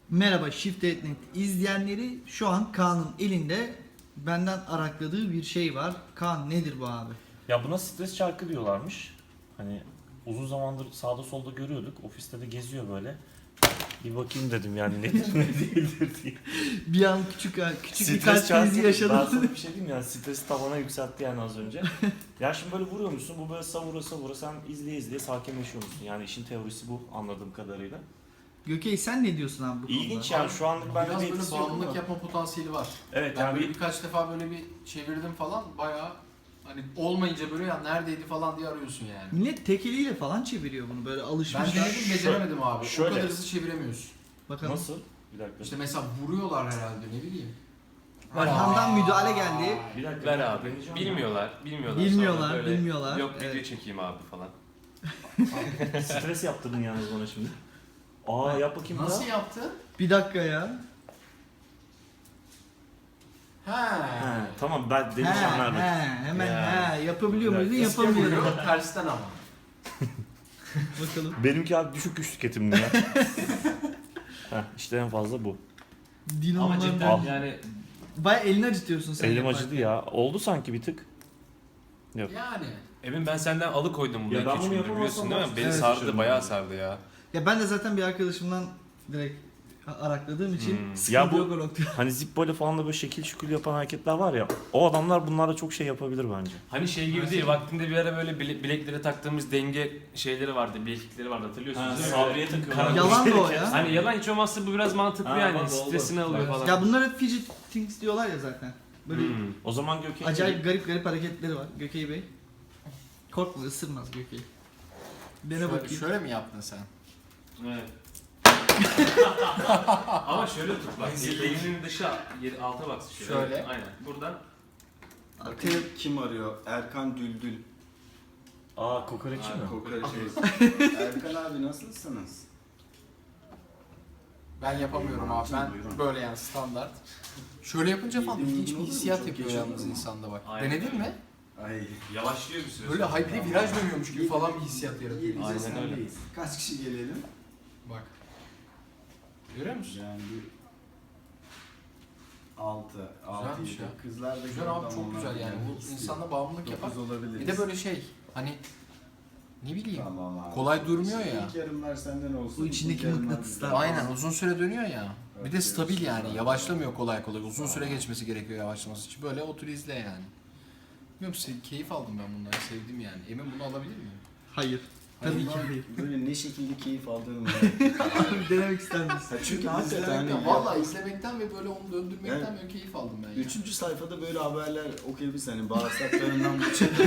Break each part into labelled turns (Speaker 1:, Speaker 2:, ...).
Speaker 1: Merhaba Shift.net izleyenleri, şu an Kaan'ın elinde benden arakladığı bir şey var. Kaan, nedir bu abi?
Speaker 2: Ya buna stres çarkı diyorlarmış. Hani uzun zamandır sağda solda görüyorduk. Ofiste de geziyor böyle. Bir bakayım dedim yani nedir ne değildir diye.
Speaker 1: Bir an küçük bir kalp krizi
Speaker 2: Ben
Speaker 1: yaşadım.
Speaker 2: sana bir şey diyeyim yani stresi tavana yükseltti yani az önce. Ya şimdi böyle vuruyor musun? Bu böyle savura savura sen izleye sakinleşiyor musun? Yani işin teorisi bu anladığım kadarıyla.
Speaker 1: Gökey, sen ne diyorsun abi bu konuda?
Speaker 2: İlginç yani şu anlık bende
Speaker 3: Biraz
Speaker 2: bir
Speaker 3: böyle
Speaker 2: etkisi yok
Speaker 3: bağımlılık
Speaker 2: ama.
Speaker 3: yapma potansiyeli var.
Speaker 2: Evet
Speaker 3: Ben
Speaker 2: yani
Speaker 3: böyle
Speaker 2: bir
Speaker 3: birkaç defa böyle bir çevirdim falan bayağı hani olmayınca böyle ya neredeydi falan diye arıyorsun yani.
Speaker 1: Millet tek eliyle falan çeviriyor bunu, böyle
Speaker 3: Ben
Speaker 1: alışmışlar.
Speaker 3: denedim beceremedim abi.
Speaker 2: Şöyle.
Speaker 3: O kadar hızlı çeviremiyorsun.
Speaker 1: Bakalım.
Speaker 2: nasıl? Bir dakika.
Speaker 3: İşte mesela vuruyorlar herhalde ne bileyim.
Speaker 1: Arkamdan müdahale geldi.
Speaker 2: Bir dakika.
Speaker 4: Ver abi.
Speaker 2: deneyeceğim
Speaker 4: Bilmiyorlar.
Speaker 1: Bilmiyorlar,
Speaker 4: Sonra böyle,
Speaker 1: bilmiyorlar.
Speaker 4: Yok
Speaker 1: Evet.
Speaker 4: video çekeyim abi falan.
Speaker 2: ya. Stres yaptırdın yalnız bana şimdi. Aa yap bakayım
Speaker 3: Nasıl
Speaker 2: daha.
Speaker 3: yaptı?
Speaker 1: Bir dakika ya.
Speaker 3: Ha.
Speaker 2: He, tamam ben
Speaker 1: He,
Speaker 2: deneyeceğim nerede?
Speaker 1: hemen
Speaker 4: Ya.
Speaker 1: yapabiliyor
Speaker 2: Bir
Speaker 1: muydun?
Speaker 2: dakika.
Speaker 3: Eski
Speaker 1: Yapamıyorum.
Speaker 3: vuruyor tersten ama.
Speaker 1: Bakalım.
Speaker 2: Benimki abi düşük güç tüketimli ya. Heh, işte en fazla bu.
Speaker 4: Ama
Speaker 1: Dinamolar.
Speaker 4: cidden yani
Speaker 1: Baya elini acıtıyorsun sen.
Speaker 2: Elim
Speaker 1: yaparken.
Speaker 2: acıdı ya. Oldu sanki bir tık. Yok.
Speaker 3: Yani.
Speaker 4: Emin ben senden alıkoydum bunu
Speaker 2: Ya ben
Speaker 4: 2-3
Speaker 2: bunu
Speaker 4: gündür
Speaker 2: yapamazsam
Speaker 4: biliyorsun değil mi?
Speaker 2: ben
Speaker 4: Beni
Speaker 1: Evet.
Speaker 4: sardı bayağı sardı ya.
Speaker 1: Ya ben de zaten bir arkadaşımdan direkt arakladığım için sıkıntı
Speaker 2: Ya bu-
Speaker 1: yok o noktada.
Speaker 2: Hani zippoyla falan da böyle şekil şükür yapan hareketler var ya. O adamlar bunlarla çok şey yapabilir bence.
Speaker 4: Hani şey gibi değil vaktinde bir ara böyle bileklere taktığımız denge şeyleri vardı, bileklikleri vardı hatırlıyorsunuz değil mi?
Speaker 2: Sabriye takıyorlar.
Speaker 1: Yalan da o ya.
Speaker 4: Hani yalan hiç olmazsa bu biraz mantıklı
Speaker 2: Ha,
Speaker 4: yani
Speaker 2: bak, oldu.
Speaker 4: stresini alıyor
Speaker 3: Evet.
Speaker 4: falan.
Speaker 1: Ya bunlar hep fidget things diyorlar ya zaten. Böyle
Speaker 2: O zaman Gökhan
Speaker 1: acayip garip hareketleri var Gökey Bey. Korkma, ısırmaz Gökey. Dene
Speaker 3: Şöyle,
Speaker 1: bakayım.
Speaker 3: şöyle mi yaptın sen?
Speaker 4: Evet. Ama şöyle tut bak. Elinin dışı yeri alta bak.
Speaker 3: Şöyle.
Speaker 4: Evet, aynen. Buradan.
Speaker 5: Bakın kim arıyor? Erkan Düldül.
Speaker 2: Aa kokoreççi mi?
Speaker 5: Kokoreç. Erkan abi nasılsınız?
Speaker 3: Ben yapamıyorum abi. Ben
Speaker 5: Buyurun.
Speaker 3: böyle yani standart. Şöyle yapınca falan
Speaker 5: Yediğin
Speaker 3: ilginç
Speaker 5: gün
Speaker 3: bir
Speaker 5: olur mu?
Speaker 3: hissiyat
Speaker 5: Çok
Speaker 3: yapıyor
Speaker 5: geç
Speaker 3: yalnız
Speaker 5: olur mu?
Speaker 3: insanda bak.
Speaker 4: Aynen.
Speaker 3: Denedin mi?
Speaker 5: Ay.
Speaker 4: Yavaşlıyor bir süre
Speaker 3: Böyle
Speaker 4: sonra.
Speaker 3: hayır bir de viraj dönüyormuş gibi falan bir hissiyat yaratıyor.
Speaker 5: Yedice
Speaker 4: Aynen
Speaker 5: sendeyiz. Kaç kişi gelelim?
Speaker 3: Bak. Görüyor musun?
Speaker 5: Yani bir 6, 6,
Speaker 3: Güzelmiş
Speaker 5: 7.
Speaker 3: ya.
Speaker 5: Kızlar da
Speaker 3: Güzel abi çok güzel yani. Bu insanda bağımlılık yapar.
Speaker 5: olabilir.
Speaker 3: Bir de böyle şey hani ne bileyim
Speaker 5: Tamam abi.
Speaker 3: kolay durmuyor ya.
Speaker 5: İlk yarımlar senden olsun.
Speaker 1: Bu içindeki
Speaker 5: ikinci yarımlar
Speaker 1: mıknatıslar.
Speaker 5: bizden.
Speaker 3: Aynen uzun süre dönüyor ya. Bir de
Speaker 5: Evet,
Speaker 3: stabil yani.
Speaker 5: evet.
Speaker 3: Yavaşlamıyor kolay kolay. Uzun süre geçmesi gerekiyor yavaşlaması için. Böyle otur izle yani. Bilmiyorum keyif aldım ben bunları. Sevdim yani. Emin bunu alabilir miyim?
Speaker 1: Hayır. Tabii ki
Speaker 5: Hayır,
Speaker 1: değil.
Speaker 5: Böyle ne şekilde keyif aldığını
Speaker 1: Abi denemek ister misin?
Speaker 5: Ha, çünkü hakikaten
Speaker 3: İzlemekten,
Speaker 5: hani
Speaker 3: vallahi izlemekten ve böyle onu döndürmekten
Speaker 5: Yani-
Speaker 3: böyle keyif aldım ben ya.
Speaker 5: 3. sayfada böyle haberler okuyabilirsin hani bağırsaklarından bu çıktı.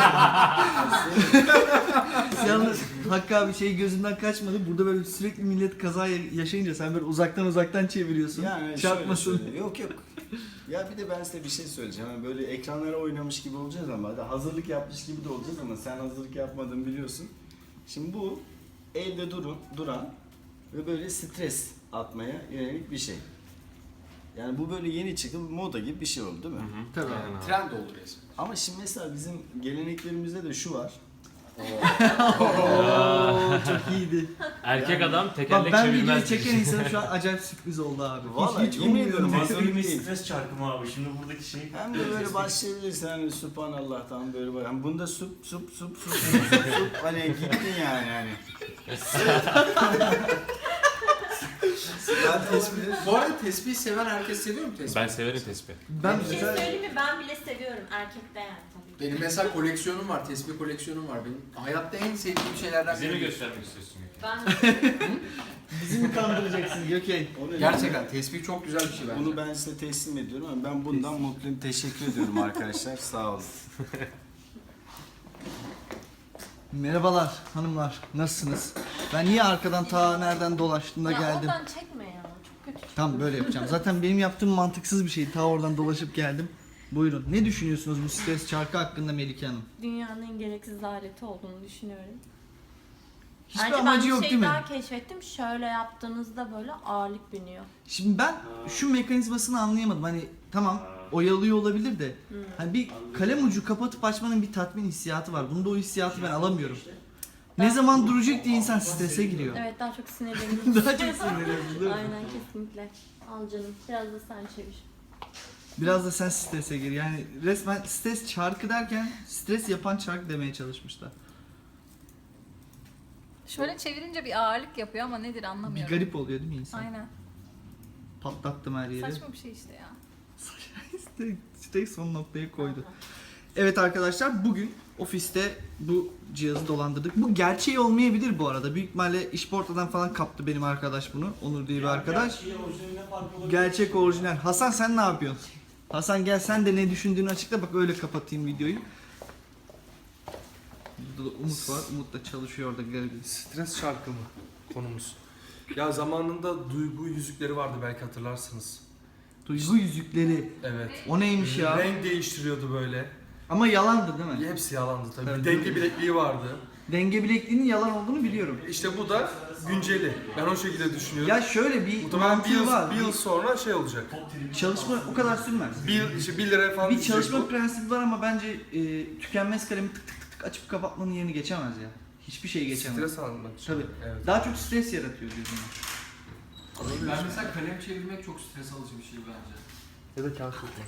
Speaker 1: Yalnız Hakkı abi şey gözünden kaçmadı. Burada böyle sürekli millet kaza yaşayınca sen böyle uzaktan çeviriyorsun.
Speaker 5: Yani
Speaker 1: Çarpmasın.
Speaker 5: şöyle. Yok. Ya bir de ben size bir şey söyleyeceğim. Hani böyle ekranlara oynamış gibi olacağız ama hadi hazırlık yapmış gibi de olacağız ama sen hazırlık yapmadığını biliyorsun. Şimdi bu elde duran ve böyle stres atmaya yönelik bir şey. Yani bu böyle yeni çıkıp moda gibi bir şey oldu değil mi?
Speaker 1: Tabii.
Speaker 4: Aynen abi.
Speaker 3: Trend oldu resmen.
Speaker 5: Ama şimdi mesela bizim geleneklerimizde de şu var.
Speaker 1: Oo, çok iyiydi.
Speaker 4: Erkek
Speaker 5: Yani-
Speaker 4: adam
Speaker 1: Bak
Speaker 4: tekerlek
Speaker 1: ben videoyu
Speaker 4: çevirmez.
Speaker 1: çeken insanım şu an acayip sürpriz oldu abi.
Speaker 5: Vallahi
Speaker 1: hiç
Speaker 5: yemin ediyorum
Speaker 1: ummuyordum.
Speaker 5: hazırlık
Speaker 2: bir
Speaker 5: değil.
Speaker 2: stres çarkı mı abi? Şimdi buradaki şey...
Speaker 5: Hem de böyle başlayabilirsin hani Subhanallah'tan böyle bak. Hani bunda sup hani gittin yani. Ben tespih
Speaker 3: Bu arada tesbih seven herkes seviyor mu tesbih?
Speaker 4: Ben severim tespih.
Speaker 1: Ben
Speaker 6: Bir şey
Speaker 1: mesela
Speaker 6: söyleyeyim mi? Ben bile seviyorum erkekte yani tabii ki.
Speaker 3: Benim mesela koleksiyonum var, tesbih koleksiyonum var. Benim hayatta en sevdiğim şeylerden
Speaker 4: Bize mi
Speaker 3: biri.
Speaker 4: göstermek istiyorsun?
Speaker 6: Ben
Speaker 1: bizi mi kandıracaksın Gökey?
Speaker 3: Gerçekten tesbih çok güzel bir şey bence.
Speaker 5: Bunu ben size teslim ediyorum ama ben bundan mutluyum. Teşekkür ediyorum arkadaşlar. Sağ olun.
Speaker 1: Merhabalar hanımlar, nasılsınız? Ben niye arkadan ta nereden dolaştım da
Speaker 6: ya
Speaker 1: geldim?
Speaker 6: oradan çekme ya. Çok kötü.
Speaker 1: Tam böyle yapacağım. Zaten benim yaptığım mantıksız bir şey. Ta oradan dolaşıp geldim. Buyurun. Ne düşünüyorsunuz bu stres çarkı hakkında Melike Hanım?
Speaker 6: Dünyanın en gereksiz aleti olduğunu düşünüyorum.
Speaker 1: Hiçbir
Speaker 6: Ayrıca
Speaker 1: amacı
Speaker 6: ben
Speaker 1: yok
Speaker 6: bir
Speaker 1: değil
Speaker 6: şey
Speaker 1: mi?
Speaker 6: daha keşfettim. Şöyle yaptığınızda böyle ağırlık biniyor.
Speaker 1: Şimdi ben şu mekanizmasını anlayamadım. Hani tamam oyalıyor olabilir de. Hani bir kalem ucu kapatıp açmanın bir tatmin hissiyatı var. Bunda o hissiyatı ben alamıyorum. Ne zaman duracak diye insan strese giriyor.
Speaker 6: Evet, daha çok sinirleniyorum.
Speaker 1: Daha çok sinirleniyorsun değil mi?
Speaker 6: Aynen, kesinlikle. Al canım, biraz da sen çevir.
Speaker 1: Biraz da sen strese gir. Yani resmen stres çarkı derken stres yapan çark demeye çalışmışlar.
Speaker 7: Şöyle çevirince bir ağırlık yapıyor ama nedir
Speaker 1: Bir
Speaker 7: anlamıyorum.
Speaker 1: garip oluyor değil mi insan?
Speaker 7: Aynen.
Speaker 1: Patlattım her yeri.
Speaker 7: Saçma bir şey işte ya.
Speaker 1: Stek son noktayı koydu. Evet arkadaşlar, bugün ofiste bu cihazı dolandırdık. Bu gerçeği olmayabilir bu arada. Büyük ihtimalle İşporta'dan falan kaptı benim arkadaş bunu. Onur diye bir arkadaş. Gerçek orijinal. Hasan sen ne yapıyorsun? Hasan gel sen de ne düşündüğünü açıkla, bak öyle kapatayım videoyu. Burada da Umut var. Umut da çalışıyor orada garibim.
Speaker 8: Stres şarkı mı konumuz? Ya zamanında duygu yüzükleri vardı, belki hatırlarsınız.
Speaker 1: Duygu yüzükleri.
Speaker 8: Evet.
Speaker 1: O neymiş ya?
Speaker 8: Renk değiştiriyordu böyle.
Speaker 1: Ama yalandı değil mi?
Speaker 8: Hepsi yalandı tabii.
Speaker 1: Tabii.
Speaker 8: Bir denge bilekliği vardı.
Speaker 1: Denge bilekliğinin yalan olduğunu biliyorum.
Speaker 8: İşte bu da günceli. Ben o şekilde düşünüyorum.
Speaker 1: Ya şöyle bir
Speaker 8: Muhtemelen
Speaker 1: mantığı var.
Speaker 8: bir yıl sonra şey olacak.
Speaker 1: Çalışma o kadar sürmez.
Speaker 8: İşte 1 liraya falan
Speaker 1: Bir
Speaker 8: düşecek
Speaker 1: çalışma
Speaker 8: bu.
Speaker 1: prensibi var ama bence tükenmez kalemi tık tık tık tık açıp kapatmanın yerini geçemez ya. Hiçbir şey geçemez.
Speaker 8: Stres almak için.
Speaker 1: Tabii.
Speaker 8: Evet.
Speaker 1: Daha çok stres yaratıyor gözüme.
Speaker 3: Ben mesela kalem çevirmek çok stres alıcı bir şey bence.
Speaker 8: Ya da kağıt tutmak.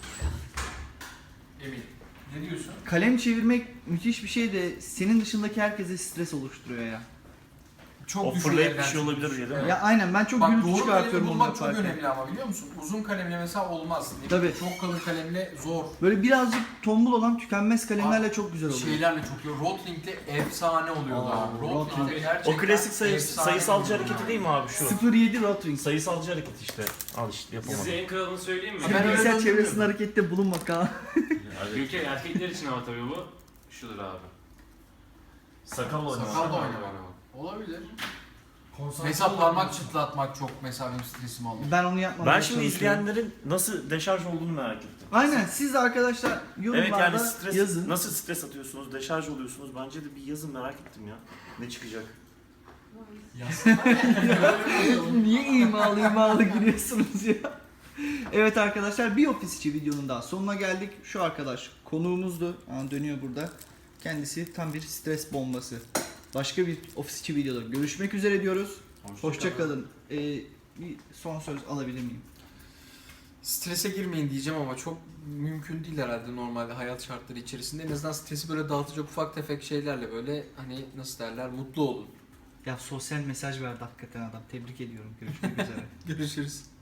Speaker 3: Emin. Ne diyorsun?
Speaker 1: Kalem çevirmek müthiş bir şey de senin dışındaki herkese stres oluşturuyor ya.
Speaker 3: Çok
Speaker 2: O
Speaker 3: düşük
Speaker 2: fırlayıp bir
Speaker 3: elden
Speaker 2: şey olabilir
Speaker 3: çünkü.
Speaker 2: değil mi?
Speaker 1: Ya aynen, ben çok
Speaker 3: Bak
Speaker 1: gürültü
Speaker 3: doğru
Speaker 1: çıkartıyorum
Speaker 3: kalemi
Speaker 1: onu
Speaker 3: bulmak çok
Speaker 1: yaparken.
Speaker 3: önemli ama biliyor musun? Uzun kalemle mesela olmaz. Ne
Speaker 1: Tabii.
Speaker 3: bileyim, çok kalın kalemle zor.
Speaker 1: Böyle birazcık tombul olan tükenmez kalemlerle çok güzel oluyor.
Speaker 3: Şeylerle çok iyi. Rotling'le efsane oluyordu
Speaker 1: Aa,
Speaker 3: abi.
Speaker 1: Rotring.
Speaker 3: Rotling gerçekten
Speaker 2: O klasik
Speaker 3: efsane
Speaker 2: sayısalcı
Speaker 3: oluyordu.
Speaker 2: hareketi değil mi abi şu?
Speaker 1: 07 Rotring.
Speaker 2: Sayısalcı hareket işte. Al işte
Speaker 4: Size
Speaker 2: yapamadım.
Speaker 4: en kralını söyleyeyim mi?
Speaker 3: Ben öyle
Speaker 1: Bilgisayar çevresinde
Speaker 3: bilmiyorum.
Speaker 1: harekette bulunma Kaan.
Speaker 4: Ülke erkekler için ama tabii bu. Şudur abi.
Speaker 2: Sakal oynamak.
Speaker 3: Sakal da oynamak. Olabilir. Mesela parmak çıtlatmak çok mesela benim stresimi alıyor.
Speaker 1: Ben onu yapmam.
Speaker 2: Ben şimdi izleyenlerin nasıl deşarj olduğunu merak ettim.
Speaker 1: Aynen, siz de arkadaşlar
Speaker 2: Evet
Speaker 1: yorumlarda
Speaker 2: yani stres,
Speaker 1: yazın.
Speaker 2: nasıl stres atıyorsunuz, deşarj oluyorsunuz? Bence de bir yazın, merak ettim ya. Ne çıkacak?
Speaker 1: Niye imalı giriyorsunuz ya? Evet arkadaşlar, bir ofis içi videonun daha sonuna geldik. Şu arkadaş konuğumuzdu. Dönüyor burada. Kendisi tam bir stres bombası. Başka bir ofis içi videoda görüşmek üzere diyoruz. Hoşça kalın. Bir son söz alabilir miyim?
Speaker 3: Strese girmeyin diyeceğim ama çok mümkün değil herhalde normalde hayat şartları içerisinde. En azından stresi böyle dağıtacak ufak tefek şeylerle böyle hani nasıl derler mutlu olun.
Speaker 1: Ya sosyal mesaj verdi hakikaten adam. Tebrik ediyorum. Görüşmek üzere.
Speaker 3: Görüşürüz.